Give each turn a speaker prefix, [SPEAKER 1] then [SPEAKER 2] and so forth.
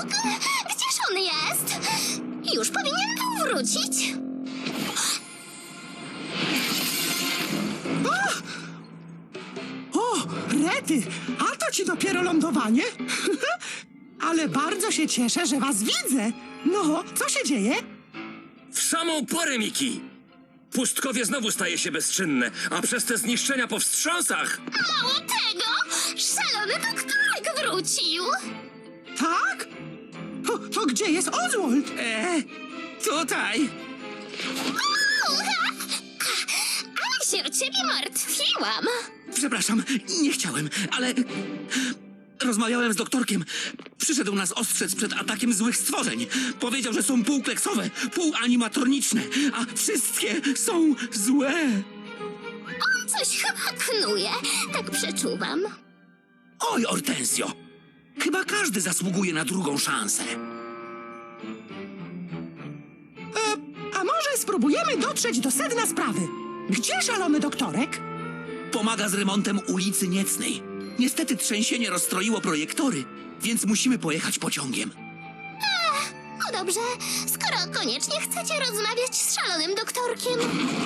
[SPEAKER 1] Gdzież on jest? Już powinien był wrócić.
[SPEAKER 2] O, Rety, a to ci dopiero lądowanie? Ale bardzo się cieszę, że was widzę. No, co się dzieje?
[SPEAKER 3] W samą porę, Miki! Pustkowie znowu staje się bezczynne, a przez te zniszczenia po wstrząsach...
[SPEAKER 1] Mało tego, szalony doktorek wrócił.
[SPEAKER 2] Tak? To gdzie jest Oswald?
[SPEAKER 4] Tutaj.
[SPEAKER 1] Ale się o ciebie martwiłam.
[SPEAKER 4] Przepraszam, nie chciałem, ale... Rozmawiałem z doktorkiem. Przyszedł nas ostrzec przed atakiem złych stworzeń. Powiedział, że są półkleksowe, półanimatroniczne, a wszystkie są złe.
[SPEAKER 1] On coś chyba knuje, tak przeczuwam.
[SPEAKER 4] Oj, Hortensio, chyba każdy zasługuje na drugą szansę.
[SPEAKER 2] A może spróbujemy dotrzeć do sedna sprawy? Gdzie szalony doktorek?
[SPEAKER 4] Pomaga z remontem ulicy Niecnej. Niestety trzęsienie rozstroiło projektory, więc musimy pojechać pociągiem.
[SPEAKER 1] No dobrze, skoro koniecznie chcecie rozmawiać z szalonym doktorkiem,